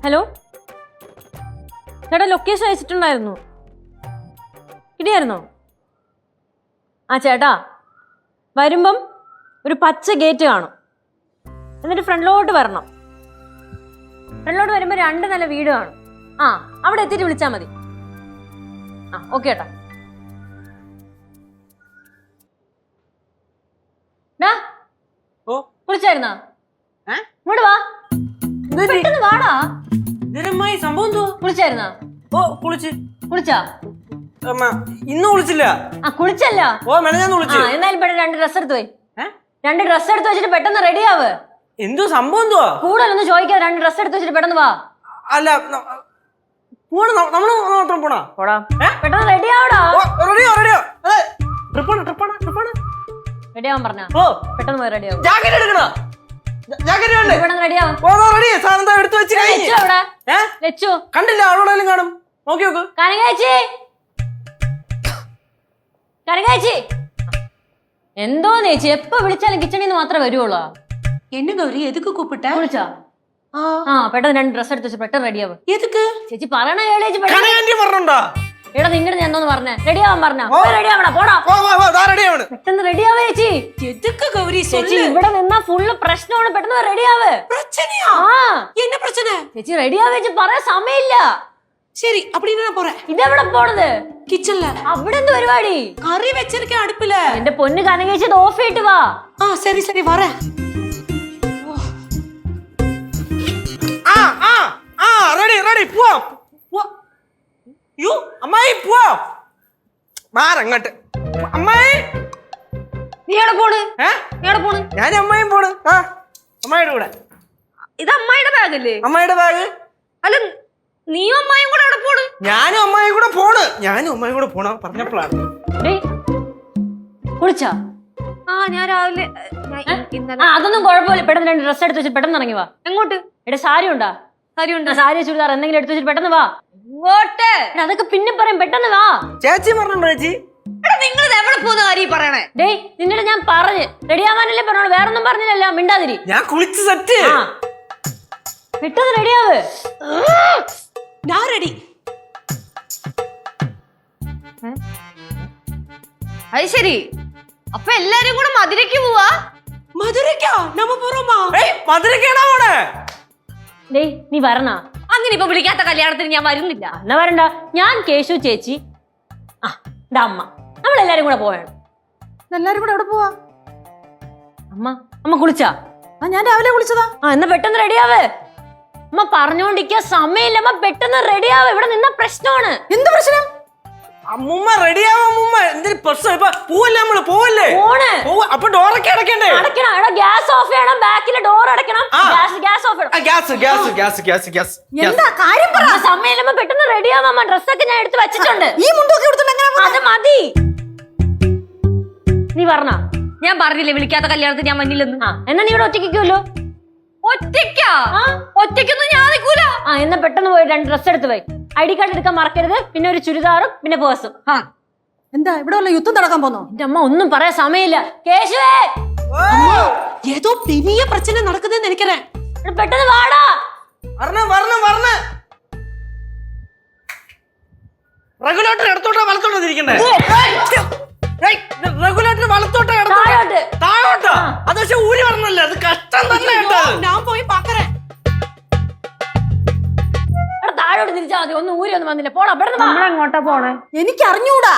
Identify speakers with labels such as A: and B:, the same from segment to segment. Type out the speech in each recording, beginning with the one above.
A: Hello ചേട്ടാ, location അയച്ചിട്ടുണ്ടായിരുന്നു. കിട്ടിയായിരുന്നോ? ആ ചേട്ടാ, വരുമ്പം ഒരു പച്ച ഗേറ്റ് കാണും. എന്നിട്ട് ഫ്രണ്ടിലോട്ട് വരണം. ഫ്രണ്ടിലോട്ട് വരുമ്പോൾ 2 നില വീട് കാണും. ആ, അവിടെ എത്തിയിട്ട് വിളിച്ചാൽ മതി. ആ, ഓക്കെ ചേട്ടാ. വിളിച്ചായിരുന്നാ? ഇങ്ങോട്ട് വാ, പെട്ടെന്ന് വാടാ.
B: സംഭവം
A: കുളിച്ചായിരുന്നാ? കുളിച്ചാ?
B: ഇന്ന് കുളിച്ചില്ല.
A: ആ, കുളിച്ചല്ല. എന്നാലും പെട്ടെന്ന് 2 ഡ്രസ് എടുത്ത് പോയി. 2 ഡ്രസ് എടുത്ത് വെച്ചിട്ട് പെട്ടെന്ന് റെഡി ആവ്.
B: എന്തോ സംഭവം എന്തുവാ?
A: കൂടുതലൊന്നും ചോദിക്കാതെ 2 ഡ്രസ് എടുത്ത് വെച്ചിട്ട് പെട്ടെന്ന് വാ.
B: അല്ല, നമ്മള് മാത്രം പോണാ?
A: പെട്ടെന്ന് റെഡി ആവടാ. റെഡി ആവാൻ പറഞ്ഞ പെട്ടെന്ന് പോയി റെഡി ആവും.
B: കണ്ടില്ല, ആളോടെങ്കിലും കാണും. നോക്കി നോക്ക്.
A: കനകാച്ചി എന്തോ ചേച്ചി, എപ്പോ വിളിച്ചാലും കിച്ചണിൽ നിന്ന് മാത്രമേ വരുവുള്ളൂ.
C: என்ன கௌரி, எதுக்கு கூப்பிட்ட?
A: വിളിച്ചാ? ആ, പെട്ടെന്ന് 2 ഡ്രസ് എടുത്ത് വെച്ച് പെട്ടെന്ന് റെഡി ആവും.
C: எதுக்கு
A: ചേച്ചി പറയണ ചേച്ചി.
B: പറഞ്ഞോണ്ടാ
A: എടാ, നിങ്ങളുടെ ഞാൻ എന്തോന്ന് പറഞ്ഞേ? റെഡി ആവാൻ പറഞ്ഞ റെഡി ആവണ. പോടാ, പെട്ടെന്ന് റെഡി ആവേ ചേച്ചി.
C: எதுக்கு கௌரி
A: ചേച്ചി ഇവിടെ നിന്നാ ഫുള്ള് പ്രശ്നമാണ്. പെട്ടെന്ന് റെഡി ആവ്.
C: பிரச்சனையா? என்ன பிரச்சனை?
A: ചേച്ചി റെഡി ആവേ ചേച്ചി, പറയാൻ സമയമില്ല.
C: சரி, அப்படின்னு நான் போறேன்.
A: ഇതെവിടെ പോണത്?
C: கிச்சன்ல.
A: അവിടെ എന്ത് പരിപാടി?
C: കറി വെച്ചിരിക്കേ അടുപ്പില്.
A: എന്റെ പൊന്ന് കനകേച്ചി, ഇത് ഓഫ് ചെയ്തിട്ട് വാ.
C: சரி சரி வரேன்.
B: റെഡി പോവാം. അമ്മായി പോവാം. മാറങ്ങോട്ട്. അമ്മായി
A: നീ എവിടെ പോണ്?
B: ഞാൻ അമ്മായും പോണ്. അമ്മായിയുടെ കൂടെ.
A: ഇത് അമ്മായിയുടെ ബാഗല്ലേ?
B: അമ്മായിയുടെ ബാഗ്.
A: അല്ല, നീയും അമ്മായും കൂടെ എവിടെ പോണ്?
B: ഞാനും അമ്മായും കൂടെ പോണ പറഞ്ഞപ്പോഴാണ്.
A: കുളിച്ചാ?
C: ഞാൻ രാവിലെ
A: അതൊന്നും കുഴപ്പമില്ല. പെട്ടെന്ന് 2 ഡ്രസ് എടുത്ത് വെച്ചിട്ട് പെട്ടെന്ന് ഇറങ്ങി വാ. എങ്ങോട്ട്? എവിടെ സാരി ഉണ്ടാ? സാരി ചുരിദാർ എന്തെങ്കിലും എടുത്ത് വെച്ചിട്ട് പെട്ടെന്ന് വാ. ഇങ്ങോട്ട്. അതൊക്കെ പിന്നെ പറയും, പെട്ടെന്ന് വാ.
B: ചേച്ചി പറഞ്ഞോ? ചേച്ചി
C: നിങ്ങൾ എവിടെ പോകുന്ന കാര്യം പറയണേ?
A: ഡേയ്, നിന്നോട് ഞാൻ പറഞ്ഞ് റെഡി ആവാനല്ലേ പറഞ്ഞോളൂ, വേറൊന്നും പറഞ്ഞില്ലല്ലോ. മിണ്ടാതിരി.
B: ഞാൻ കുളിച്ച് സെറ്റ്.
A: പെട്ടെന്ന് റെഡിയാവ്.
C: ഞാൻ റെഡി.
A: അത് ശരി, അപ്പൊ എല്ലാരും കൂടെ മധുരയ്ക്ക് പോവാ?
C: മധുരയ്ക്കാ? നമ്മ പോറോമാ?
B: മധുരക്കാണോ പോണേ?
A: ഡേയ്, നീ വരണ?
C: അങ്ങനെ ഇപ്പൊ വിളിക്കാത്ത കല്യാണത്തിന് ഞാൻ വരുന്നില്ല.
A: എന്നാ വരണ്ട. ഞാൻ, കേശു ചേച്ചി, അമ്മ, നമ്മളെല്ലാരും കൂടെ പോവാണ്.
C: എല്ലാരും കൂടെ എവിടെ പോവാ?
A: അമ്മ കുളിച്ചാ?
C: ഞാൻ രാവിലെ കുളിച്ചതാ.
A: എന്നാ പെട്ടെന്ന് റെഡിയാവ്. അമ്മ പറഞ്ഞോണ്ടിരിക്കാ സമയമില്ല. അമ്മ പെട്ടെന്ന് റെഡിയാവ്. ഇവിടെ നിന്ന പ്രശ്നമാണ്.
C: എന്ത് പ്രശ്നം?
B: അമ്മൂമ്മ റെഡിയാവാ. അമ്മൂമ്മ എന്തൊരു പ്രശ്നം? ഇപ്പൊ പോവല്ലേ? നമ്മള് പോവല്ലേ? അപ്പൊ ഡോറൊക്കെ അടക്കണ്ടേ?
A: അടയ്ക്കണം. എടാ, ഗ്യാസ് ഓഫ് ചെയ്യണം. ബാക്കിലെ ഡോർ അടയ്ക്കണം. ഗ്യാസ് ഓഫ് ചെയ്യണം.
C: എന്താ കാര്യം പറ.
A: സമയമില്ല, പെട്ടെന്ന് റെഡിയാവാ. ഡ്രസ്സൊക്കെ ഞാൻ എടുത്ത് വെച്ചിട്ടുണ്ട്.
C: ഈ മുണ്ടൊക്കെ എടുത്തിട്ട്
A: അത് മതി. നീ പറഞ്ഞ?
C: ഞാൻ പറഞ്ഞില്ലേ വിളിക്കാത്ത കല്യാണത്തിന് ഞാൻ വന്നില്ലെന്ന്.
A: എന്നാ നീ ഇവിടെ ഒറ്റയ്ക്കുമല്ലോ?
C: ഒറ്റയ്ക്കൊന്നും ഞാൻ നിൽക്കൂല.
A: എന്നാ പെട്ടെന്ന് പോയി 2 ഡ്രസ് എടുത്ത് പോയി. ID കാർഡ് എടുക്കാൻ മറക്കരുത്. പിന്നെ ഒരു ചുരിദാറും പിന്നെ പേഴ്സും.
C: എന്താ ഇവിടെ വല്ല യുദ്ധം നടക്കാൻ പോന്നോ?
A: എന്റെ അമ്മ ഒന്നും പറയാൻ സമയമില്ല. കേശുവേ,
C: ഏതോ പെരിയ പ്രശ്നം നടക്കുന്നതെന്ന് എനിക്കറിയാം.
A: പെട്ടെന്ന് വാടാ.
B: റെഗുലേറ്റർ എടുത്തോട്ടാ വലത്തോട്ടാ തിരിക്കണ്ടേ? റെഗുലേറ്റർ വലത്തോട്ടാ താഴോട്ടാ? അത് പക്ഷെ ഊരി പറഞ്ഞല്ലേ, അത് കഷ്ടം തന്നെ.
C: ഞാൻ പോയി പാക്കറേ.
A: താഴോട്ട് തിരിച്ചാ മതി. ഒന്നും ഊരി ഒന്നും വന്നില്ല. പോടാ, പെട്ടെന്ന്.
C: നമ്മളെങ്ങോട്ടാ പോണേ? എനിക്ക് അറിഞ്ഞൂടാ.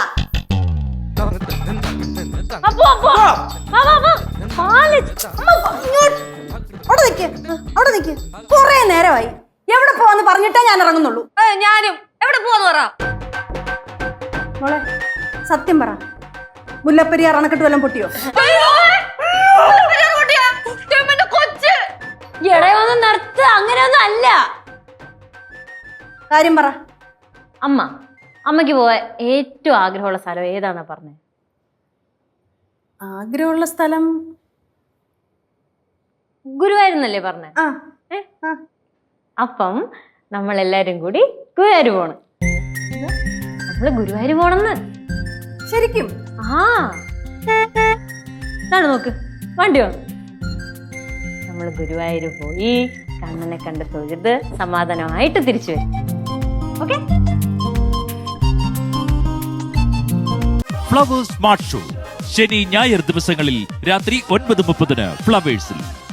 C: അവിടെ നിക്ക്. കൊറേ നേരമായി. എവിടെ പോവാന്ന് പറഞ്ഞിട്ടേ ഞാൻ ഇറങ്ങുന്നുള്ളൂ.
A: ഞാനും എവിടെ പോവാന്ന് പറ.
C: മോളെ സത്യം പറ, മുല്ലപ്പെരിയാർ അണക്കെട്ട് വല്ലതും പൊട്ടിയോ?
A: ഇടയൊന്നും നിർത്ത്. അങ്ങനെയൊന്നും അല്ല.
C: കാര്യം പറ.
A: അമ്മയ്ക്ക് പോവാൻ ഏറ്റവും ആഗ്രഹമുള്ള സ്ഥലം ഏതാന്നാ പറഞ്ഞേ?
C: ആഗ്രഹമുള്ള സ്ഥലം
A: ഗുരുവായൂരെന്നല്ലേ പറഞ്ഞേ? അപ്പം നമ്മളെല്ലാരും കൂടി ഗുരുവായൂർ പോണം. നമ്മള് ഗുരുവായൂർ പോണെന്ന്.
C: ശരിക്കും?
A: ഇതാണ് നോക്ക്, വണ്ടി വന്നു. നമ്മള് ഗുരുവായൂർ പോയി കണ്ണനെ കണ്ട് തൊഴുത് സമാധാനമായിട്ട് തിരിച്ചു വരും. ഓക്കെ?
D: ഫ്ലവേഴ്സ് സ്മാർട്ട് ഷോ ശനി ഞായർ ദിവസങ്ങളിൽ രാത്രി 9:30 ഫ്ലവേഴ്സിൽ.